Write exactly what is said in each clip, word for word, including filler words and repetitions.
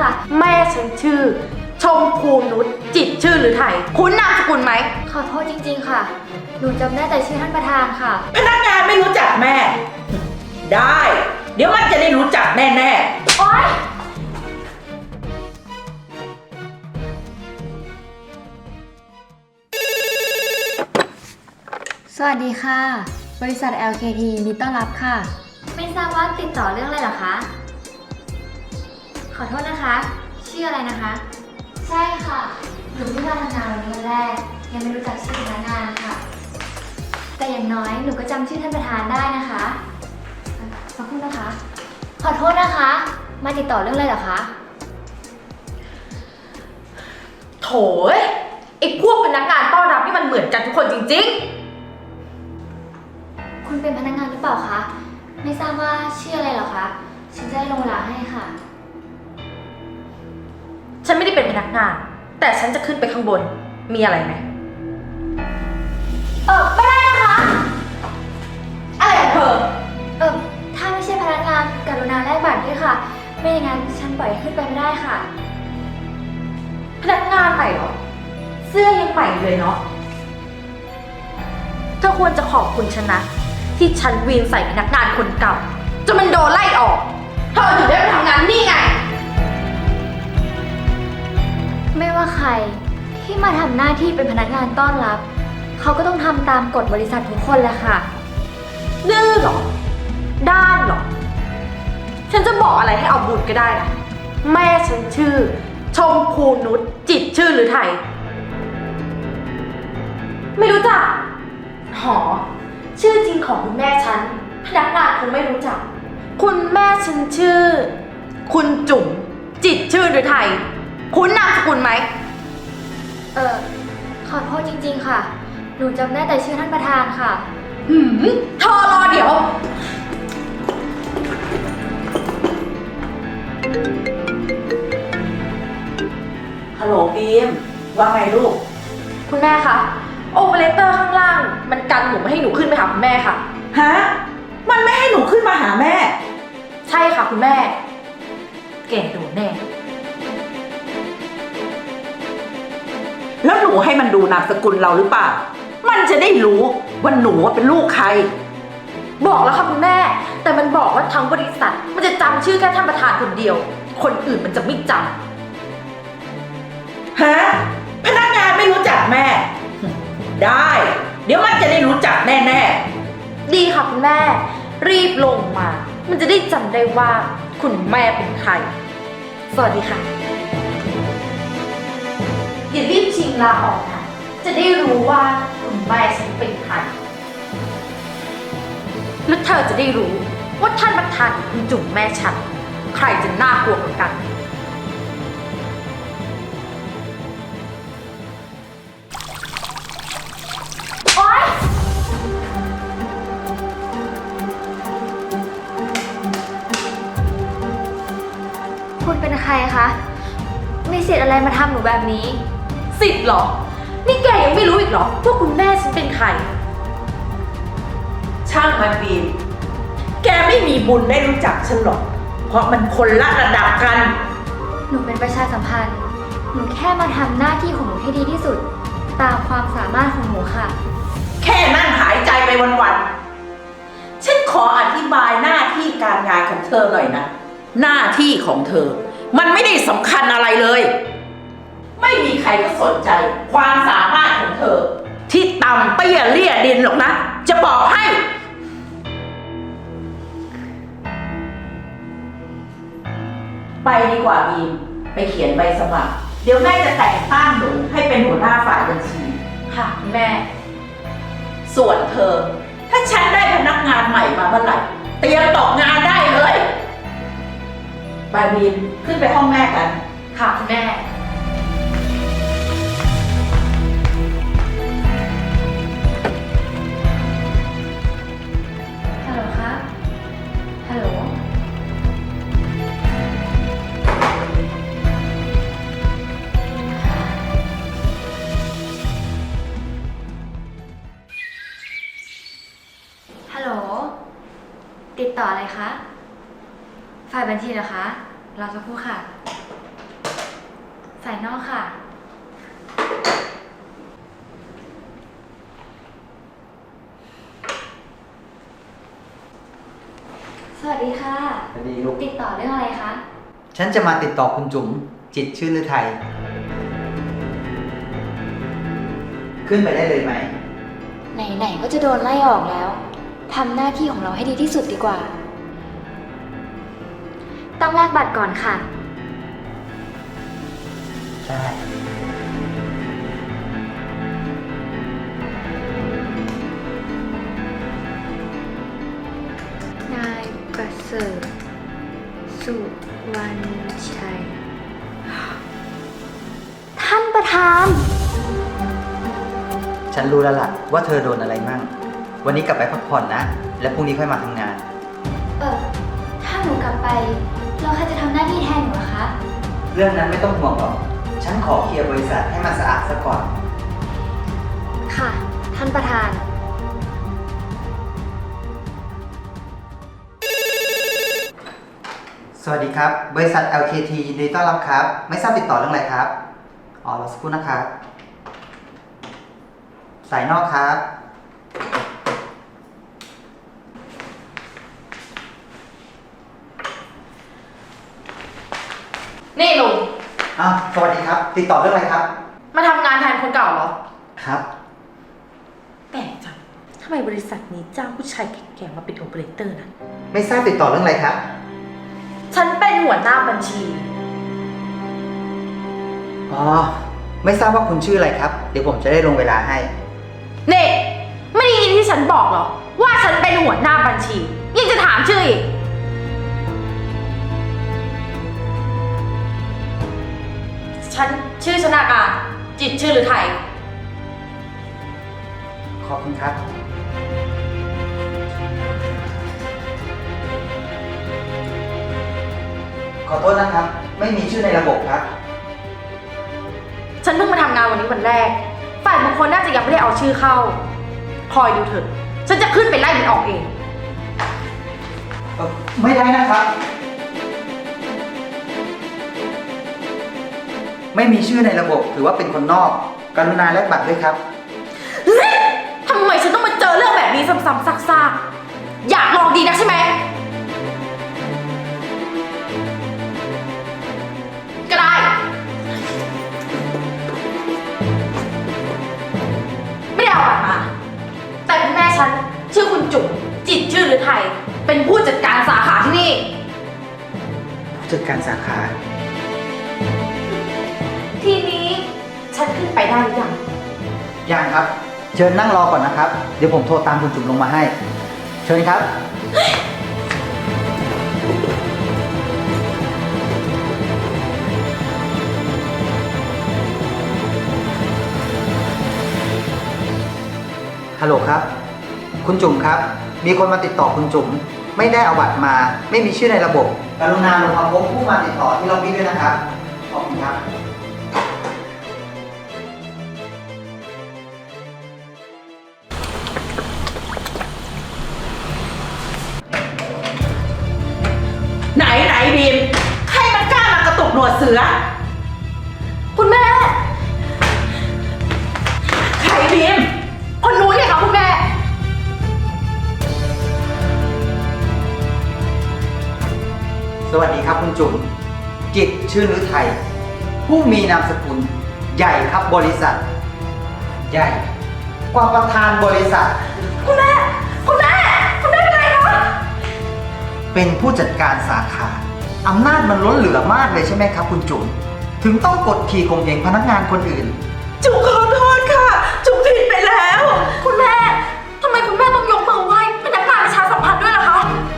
ค่ะแม่ฉันชื่อชมพูนุชจิตรชื่อหรือไทยคุ้นนามสกุลไหมขอโทษจริงๆค่ะหนูจำได้แต่ชื่อท่านประธานค่ะพนักงานไม่รู้จักแม่ ได้ เดี๋ยวมันจะได้รู้จักแน่ๆโอ๊ยสวัสดีค่ะบริษัท แอล เค ที ยินดีต้อนรับค่ะไม่ทราบว่าติดต่อเรื่องอะไรเหรอคะขอโทษนะคะชื่ออะไรนะคะใช่ค่ะหนูเพิ่งมาทำงานวันนี้วันแรกยังไม่รู้จักชื่อพนักงานค่ะแต่อย่างน้อยหนูก็จำชื่อท่านประธานได้นะคะขอบคุณนะคะขอโทษนะคะมาติดต่อเรื่องอะไรเหรอคะโถยไอ้พวกพนักงานต้อนรับนี่มันเหมือนกันทุกคนจริงๆคุณเป็นพนักงานหรือเปล่าคะไม่ทราบว่าชื่ออะไรเหรอคะฉันจะได้ลงเวลาให้ค่ะฉันไม่ได้เป็นพนักงานแต่ฉันจะขึ้นไปข้างบนมีอะไรไหมเออไม่ได้นะคะอะไรของเธอเออถ้าไม่ใช่พนักงานกรุณาแลกบัตรด้วยค่ะไม่อย่างนั้นฉันปล่อยขึ้นไปไม่ได้ค่ะพนักงานใหม่เหรอเสื้อยังใหม่เลยเนาะเธอควรจะขอบคุณฉันนะที่ฉันวีนใส่พนักงานคนเก่าจนมันโดนไล่ออกเธอถึงได้ไปทำงานนี่ไงไม่ว่าใครที่มาทำหน้าที่เป็นพนักงานต้อนรับเขาก็ต้องทำตามกฎบริษัททุกคนแหละค่ะดื้อเหรอด้านเหรอฉันจะบอกอะไรให้เอาบุญก็ได้นะแม่ฉันชื่อชมพูนุชจิตรชื่อหรือไทยไม่รู้จักหอชื่อจริงของคุณแม่ฉันพนักงานคงไม่รู้จักคุณแม่ฉันชื่อคุณจุ๋มจิตรชื่อหรือไทยคุ้นนามสกุลไหมเออขอโทษจริงๆค่ะหนูจำได้แต่ชื่อท่านประธานค่ะหืมเธอรอเดี๋ยวฮัลโหลบีมว่าไงลูกคุณแม่คะโอเปอเรเตอร์ข้างล่างมันกันหนูไม่ให้หนูขึ้นไปหาคุณแม่ค่ะฮะมันไม่ให้หนูขึ้นมาหาแม่ใช่ค่ะคุณแม่แกโดนแน่แล้วหนูให้มันดูนามสกุลเราหรือเปล่ามันจะได้รู้ว่าหนูเป็นลูกใครบอกแล้วค่ะคุณแม่แต่มันบอกว่าทั้งบริษัทมันจะจำชื่อแค่ท่านประธานคนเดียวคนอื่นมันจะไม่จำฮะพนักงานไม่รู้จักแม่ได้เดี๋ยวมันจะได้รู้จักแน่ๆดีค่ะคุณแม่รีบลงมามันจะได้จำได้ว่าคุณแม่เป็นใครสวัสดีค่ะอย่ารีบชิงลาออกนะจะได้รู้ว่าคุณแม่ฉันเป็นใครแล้วเธอจะได้รู้ว่าท่านประธานคุณจุ๋มแม่ฉันใครจะน่ากลัวกว่ากันโอ๊ยคุณเป็นใครคะมีสิทธิ์อะไรมาทำหนูแบบนี้สิทธิ์เหรอนี่แกยังไม่รู้อีกเหรอว่าคุณแม่ฉันเป็นใครช่างมันบีมแกไม่มีบุญได้รู้จักฉันหรอกเพราะมันคนละระดับกันหนูเป็นประชาสัมพันธ์หนูแค่มาทำหน้าที่ของหนูให้ดีที่สุดตามความสามารถของหนูค่ะแค่นั่งหายใจไปวันๆฉันขออธิบายหน้าที่การงานของเธอหน่อยนะหน้าที่ของเธอมันไม่ได้สำคัญอะไรเลยไม่มีใครก็สนใจความสามารถของเธอที่ต่ำเตี้ยเลี่ยดินหรอกนะจะบอกให้ไปดีกว่าบีมไปเขียนใบสมัครเดี๋ยวแม่จะแต่งตั้งหนูให้เป็นหัวหน้าฝ่ายบัญชีค่ะแม่ส่วนเธอถ้าฉันได้พนักงานใหม่มาเมื่อไหร่เตรียมตกงานได้เลยไปบีมขึ้นไปห้องแม่กันค่ะแม่ฮัลโหลคะฮัลโหลฮัลโหลติดต่ออะไรคะฝ่ายบัญชีเหรอคะรอสักครู่ค่ะสายนอกค่ะ สวัสดีค่ะสวัสดีลูกติดต่อเรื่องอะไรคะฉันจะมาติดต่อคุณจุ๋มจิตรชื่นฤทัยขึ้นไปได้เลยไหมไหนๆก็จะโดนไล่ออกแล้วทำหน้าที่ของเราให้ดีที่สุดดีกว่า ต้องแลกบัตรก่อนค่ะได้นายประเสริฐสุวรรณชัย ท่านประธานฉันรู้แล้วล่ะว่าเธอโดนอะไรมั่ง วันนี้กลับไปพักผ่อนนะ แล้วพรุ่งนี้ค่อยมาทำงานเออถ้าหนูกลับไปเราใครจะทำหน้าที่แทนหนูล่ะคะเรื่องนั้นไม่ต้องห่วงหรอก ฉันขอเคลียร์บริษัทให้มันสะอาดซะก่อนค่ะ ท่านประธานสวัสดีครับ บริษัท แอล เค ที ยินดีต้อนรับครับ ไม่ทราบติดต่อเรื่องอะไรครับ อ๋อรอสักครู่นะครับ สายนอกครับนี่ลุงอ้าว สวัสดีครับ ติดต่อเรื่องอะไรครับมาทำงานแทนคนเก่าเหรอครับแปลกจังทำไมบริษัทนี้จ้างผู้ชายแก่ๆมาเป็นโอเปอเรเตอร์นะไม่ทราบติดต่อเรื่องอะไรครับฉันเป็นหัวหน้าบัญชีอ๋อ ไม่ทราบว่าคุณชื่ออะไรครับ เดี๋ยวผมจะได้ลงเวลาให้นี่ไม่ได้ยินที่ฉันบอกเหรอ ว่าฉันเป็นหัวหน้าบัญชี ยังจะถามชื่ออีก ฉันชื่อชนาการ จิตรชื่อหรือไทยขอบคุณครับ ขอโทษนะครับ ไม่มีชื่อในระบบครับฉันเพิ่งมาทำงานวันนี้วันแรก ฝ่ายบุคคลน่าจะยังไม่ได้เอาชื่อเข้า คอยดูเถอะ ฉันจะขึ้นไปไล่มันออกเองเอ่อไม่ได้นะครับ ไม่มีชื่อในระบบถือว่าเป็นคนนอก กรุณาแลกบัตรด้วยครับเฮ้ยทำไมฉันต้องมาเจอเรื่องแบบนี้ซ้ำๆซากๆ อยากลองดีนะใช่ไหม ก็ได้ ไม่ได้เอาบัตรมา แต่คุณแม่ฉันชื่อคุณจุ๋มจิตรชื่อหรือไทย เป็นผู้จัดการสาขาที่นี่ผู้จัดการสาขาทีนี้ฉันขึ้นไปได้หรือยังยังครับ เชิญนั่งรอก่อนนะครับ เดี๋ยวผมโทรตามคุณจุ๋มลงมาให้ เชิญครับ ฮัลโหลครับ คุณจุ๋มครับ มีคนมาติดต่อคุณจุ๋ม ไม่ได้เอาบัตรมา ไม่มีชื่อในระบบ กรุณาลงมาพบผู้มาติดต่อที่ล็อบบี้ด้วยนะครับ ขอบคุณครับไหนไหนบีมใครมันกล้ามากระตุกหนวดเสือคุณแม่ใครบีมคนนู้นเนี่ยค่ะคุณแม่สวัสดีครับคุณจุ๋ม จิตรชื่นฤทัย ผู้มีนามสกุล ใหญ่ครับบริษัท ใหญ่ กว่าประธานบริษัทคุณแม่ คุณแม่ คุณแม่เป็นไงคะเป็นผู้จัดการสาขาอำนาจมันล้นเหลือมากเลยใช่ไหมครับคุณจุ๋ม ถึงต้องกดขี่ข่มเหงพนักงานคนอื่นจุ๋มขอโทษค่ะ จุ๋มผิดไปแล้วคุณแม่ ทำไมคุณแม่ต้องยกมือไหว้พนักงานประชาสัมพันธ์ด้วยล่ะคะ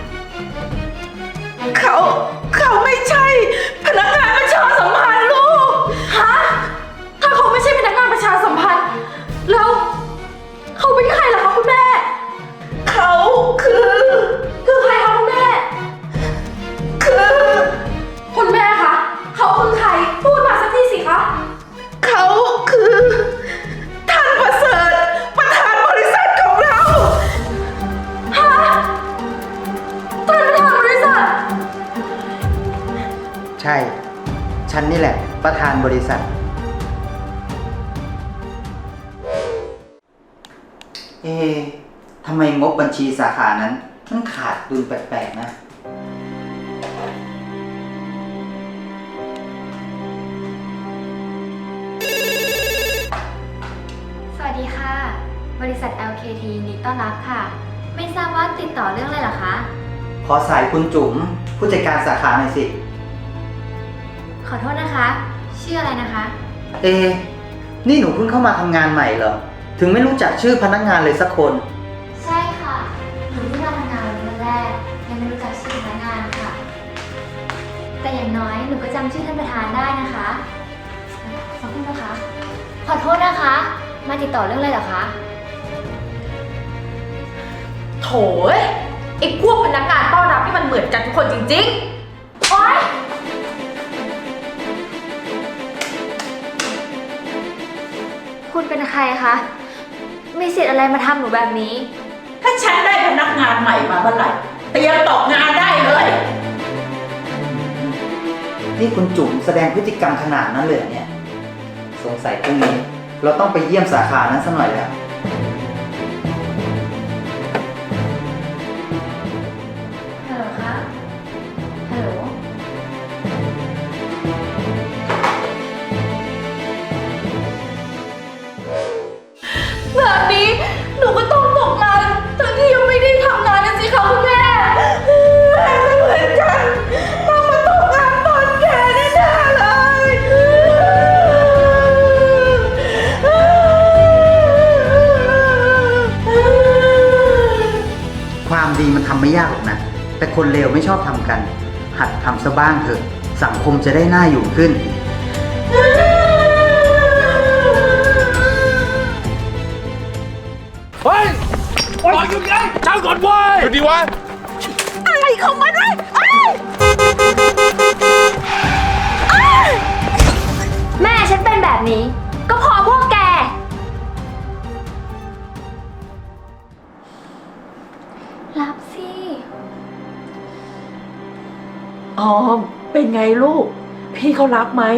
เขาเขาไม่ใช่พนักงานประชาสัมพันธ์ลูกฮะ ถ้าเขาไม่ใช่พนักงานประชาสัมพันธ์ แล้วเขาเป็นใครล่ะคะคุณแม่เขาคือคือใครคะคุณแม่คือคุณแม่คะ เขาคือใคร พูดมาสักทีสิคะเขาคือ ท่านประเสริฐประธานบริษัทของเราฮะท่านประธานบริษัทใช่ ฉันฉันนี่แหละ ประธานบริษัท เอ๊ะทำไมงบบัญชีสาขานั้นมันขาดดุลแปลกๆนะสวัสดีค่ะ บริษัท แอล เค ที ยินดีต้อนรับค่ะ ไม่ทราบว่าติดต่อเรื่องอะไรเหรอคะขอสายคุณจุ๋มผู้จัดการสาขาหน่อยสิขอโทษนะคะ ชื่ออะไรนะคะเอ๊ะนี่หนูเพิ่งเข้ามาทำงานใหม่เหรอ ถึงไม่รู้จักชื่อพนักงานเลยสักคนใช่ค่ะ หนูเพิ่งมาทำงานวันแรก ยังไม่รู้จักชื่อพนักงานค่ะ แต่อย่างน้อยหนูก็จำชื่อท่านประธานได้นะคะขอบคุณนะคะ ขอโทษนะคะ มาติดต่อเรื่องอะไรเหรอคะโถยไอ้พวกพนักงานต้อนรับที่มันเหมือนกันทุกคนจริงๆ โอ๊ยคุณเป็นใครคะ มีสิทธิ์อะไรมาทำหนูแบบนี้ถ้าฉันได้พนักงานใหม่มาเมื่อไหร่เตรียมตกงานได้เลยนี่คุณจุ๋มแสดงพฤติกรรมขนาดนั้นเลยเหรอเนี่ย สงสัยพรุ่งนี้ เราต้องไปเยี่ยมสาขานั้นสักหน่อยแล้วฮัลโหลคะ ฮัลโหลแบบนี้หนูก็ต้องตกงานทั้งที่ยังไม่ได้ทำงานนะสิคะคุณแม่แม่ก็เหมือนกันต้องมาตกงานตอนแก่แน่ๆเลยความดีมันทำไม่ยากหรอกนะ แต่คนเลวไม่ชอบทำกัน หัดทำซะบ้างเถอะ สังคมจะได้น่าอยู่ขึ้นเฮ้ยปล่อยหยุดไงเจ้าก่อนเว้ยหยุดดีวะอะไรของมันวะเอ้ยแม่ฉันเป็นแบบนี้ ก็เพอพวกแก รับสิออม เป็นไงลูก พี่เขารับไหม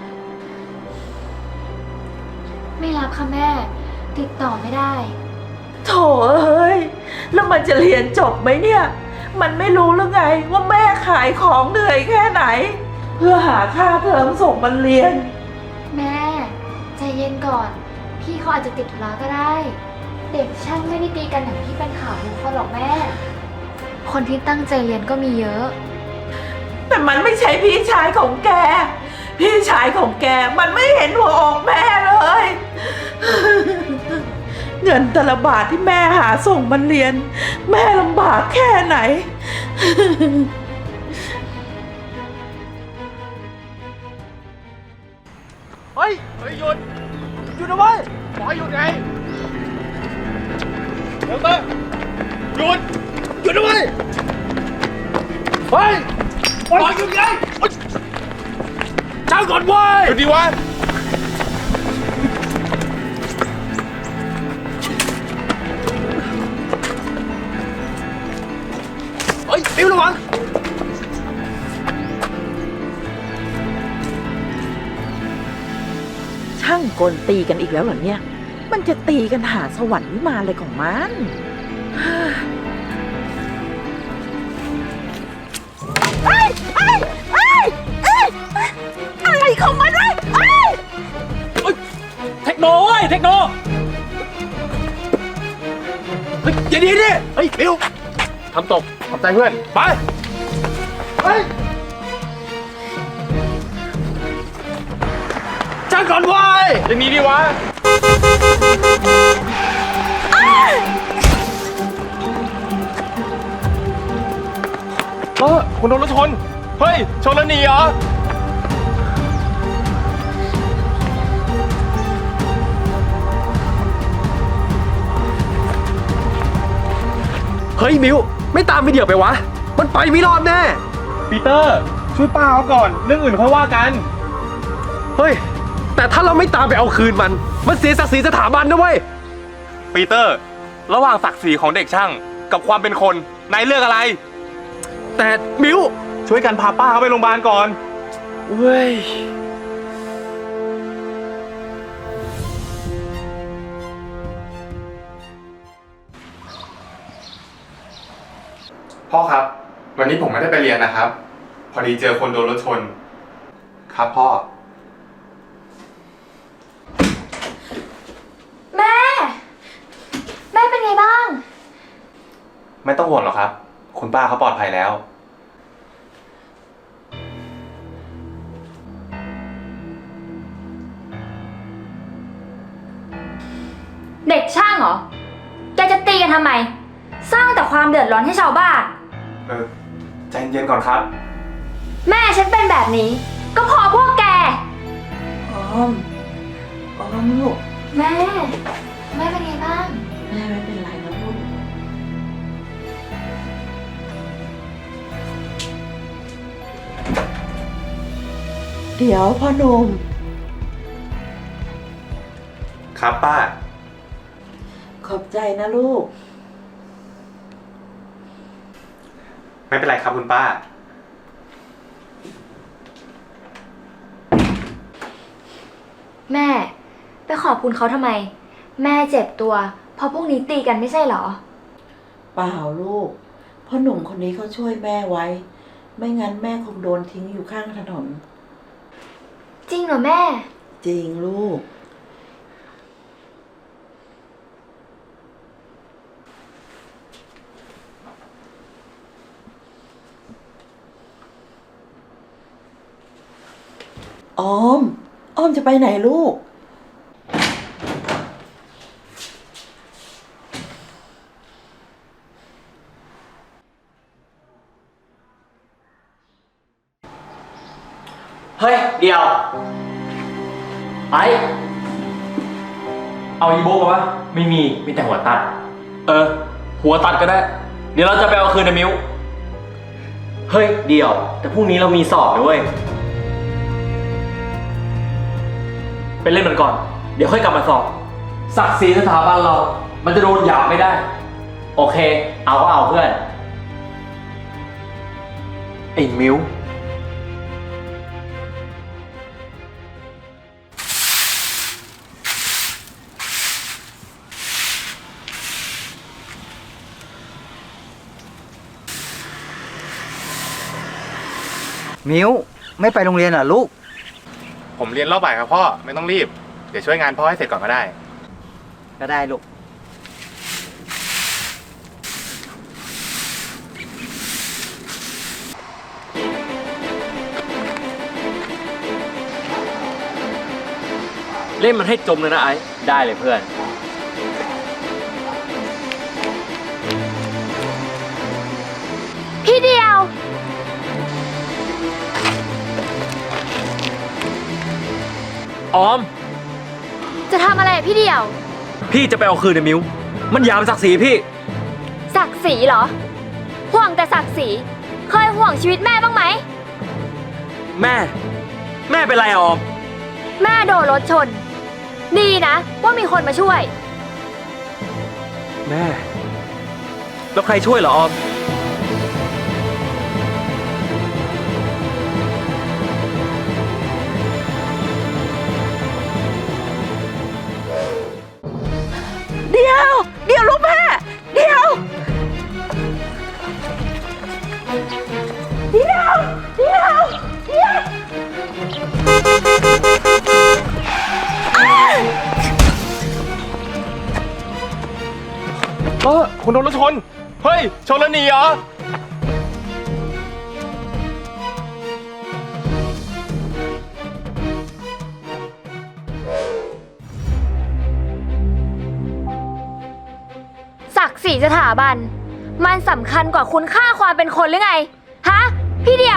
ไม่รับค่ะแม่ ติดต่อไม่ได้โถเอ้ย แล้วมันจะเรียนจบไหมเนี่ย มันไม่รู้หรือไงว่าแม่ขายของเหนื่อยแค่ไหน เพื่อหาค่าเทอมส่งมันเรียนแม่ใจเย็นก่อน พี่เขาอาจจะติดธุระก็ได้ เด็กช่างไม่ได้ตีกันอย่างที่เป็นข่าวรู้เขาหรอกแม่ คนที่ตั้งใจเรียนก็มีเยอะแต่มันไม่ใช่พี่ชายของแก พี่ชายของแกมันไม่เห็นหัวอกแม่เลย เงินแต่ละบาทที่แม่หาส่งมันเรียน แม่ลำบากแค่ไหนเฮ้ย เฮ้ยหยุด หยุดนะเว้ยบอกให้หยุดไงเดี๋ยวเตอร์หยุด หยุดนะเว้ยเฮ้ยบอกให้หยุดไงเฮ้ยเจ้าก่อนเว้ยหยุดดีวะเฮ้ยปิ้วระวังช่างกลตีกันอีกแล้วเหรอเนี่ย มันจะตีกันหาสวรรค์วิมานอะไรของมัน เอ้ยเอ้ยเอ้ยเอ้ยอะไรของมันวะเอ้ยเฮ้ยเทคโนเว้ยเทคโนเฮ้ยอย่าดีดิเฮ้ยบิวทำตกขอบใจเพื่อน ไปเฮ้ยจ้างก่อนเว้ยอย่างนี้ดีวะเออคุณโดนรถชน เฮ้ย ชนแล้วหนีเหรอ เฮ้ยมิวไม่ตามไปเดี๋ยวไปวะ มันไปไม่รอดแน่ปีเตอร์ช่วยป้าเขาก่อนเรื่องอื่นค่อยว่ากัน เฮ้ย แต่ถ้าเราไม่ตามไปเอาคืนมัน มันเสียศักดิ์ศรีสถาบันนะเว้ยปีเตอร์ ระหว่างศักดิ์ศรีของเด็กช่างกับความเป็นคนนายเลือกอะไร แต่มิวช่วยกันพาป้าเขาไปโรงพยาบาลก่อนเว้ย พ่อครับ วันนี้ผมไม่ได้ไปเรียนนะครับ พอดีเจอคนโดนรถชน ครับพ่อแม่ แม่เป็นไงบ้างไม่ต้องห่วงหรอกครับ คุณป้าเขาปลอดภัยแล้วเด็กช่างเหรอ แกจะตีกันทำไม สร้างแต่ความเดือดร้อนให้ชาวบ้านเออใจเย็นๆก่อนครับแม่ฉันเป็นแบบนี้ ก็เพอพวกแกออม ออมลูกแม่ แม่เป็นไงบ้างแม่ไม่เป็นไรนะลูก เดี๋ยวพ่อหนุ่มครับป้าขอบใจนะลูกไม่เป็นไรครับคุณป้าแม่ ไปขอบคุณเขาทำไม แม่เจ็บตัวเพราะพวกนี้ตีกันไม่ใช่เหรอเปล่าลูกพ่อหนุ่มคนนี้เขาช่วยแม่ไว้ ไม่งั้นแม่คงโดนทิ้งอยู่ข้างถนนจริงเหรอแม่จริงลูก ออม ออมจะไปไหนลูกเฮ้ย เดี๋ยว ไอเอาอีโบกปะไม่มี มีแต่หัวตัด เออ หัวตัดก็ได้ เดี๋ยวเราจะไปเอาคืนนะมิวเฮ้ย เดี๋ยว แต่พรุ่งนี้เรามีสอบนะเว้ย ไปเล่นมันก่อน เดี๋ยวค่อยกลับมาสอบ ศักดิ์ศรีสถาบันเรา มันจะโดนหยามไม่ได้ โอเค เอาก็เอาเพื่อนไอ้มิวมิวไม่ไปโรงเรียนเหรอลูกผมเรียนรอบบ่ายครับพ่อ ไม่ต้องรีบ เดี๋ยวช่วยงานพ่อให้เสร็จก่อนก็ได้ก็ได้ลูกเล่นมันให้จมเลยนะไอ้ได้เลยเพื่อนพี่เดียวออมจะทำอะไรอะพี่เดียวพี่จะไปเอาคืนนะมิว มันหยามศักดิ์ศรีพี่ศักดิ์ศรีเหรอ ห่วงแต่ศักดิ์ศรี เคยห่วงชีวิตแม่บ้างไหมแม่ แม่เป็นไรอะออมแม่โดนรถชน ดีนะว่ามีคนมาช่วยแม่ แล้วใครช่วยเหรอออมเดี๋ยว เดี๋ยวลูกแม่ เดี๋ยว เดี๋ยว เดี๋ยว เดี๋ยวเออคุณโดนรถชน เฮ้ย ชนแล้วหนีเหรอศักดิ์ศรีสถาบัน มันสำคัญกว่าคุณค่าความเป็นคนหรือไง ฮะ พี่เดียว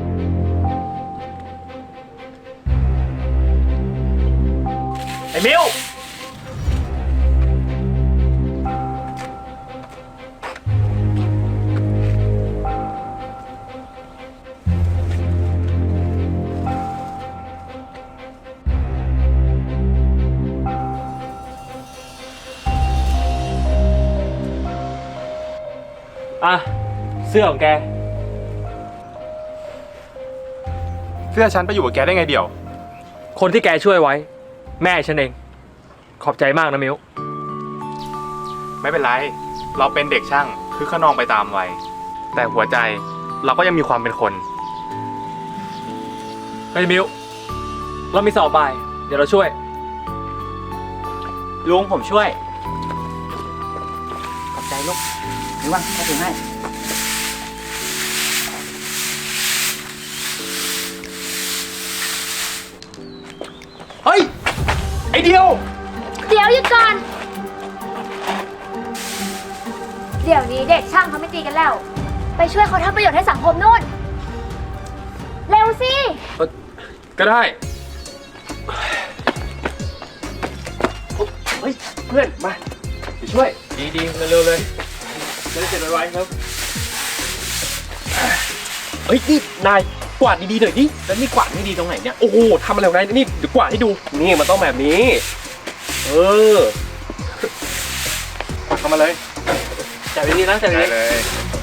ไอ้มิว อ่ะ เสื้อของแกเสื้อฉันไปอยู่กับแกได้ไงเดี่ยวคนที่แกช่วยไว้ แม่ฉันเอง ขอบใจมากนะมิวไม่เป็นไร เราเป็นเด็กช่างคือขนองไปตามวัย แต่หัวใจเราก็ยังมีความเป็นคนเฮ้ยมิว เรามีสอบบ่าย เดี๋ยวเราช่วยลุงผมช่วย ขอบใจลูกนี่ว่าถ้าถึงให้เฮ้ย ไอเดียวเดี๋ยวหยุดก่อน เดี๋ยวนี้เด็กช่างเขาไม่ตีกันแล้ว ไปช่วยเขาทำประโยชน์ให้สังคมนู่น เร็วสิก็ได้เฮ้ย เพื่อน มาไปช่วย ดีดีเร็วๆเลยจะได้เสร็จไวๆครับเฮ้ย นี่ นาย กวาดดีๆหน่อยดิ แล้วนี่กวาดไม่ดีตรงไหนเนี่ย โอ้โหทำอะไรของนายนี่ เดี๋ยวกวาดให้ดูนี่มันต้องแบบนี้เออ กวาดเข้ามาเลยจับดีๆนะจับได้ดีเลยๆ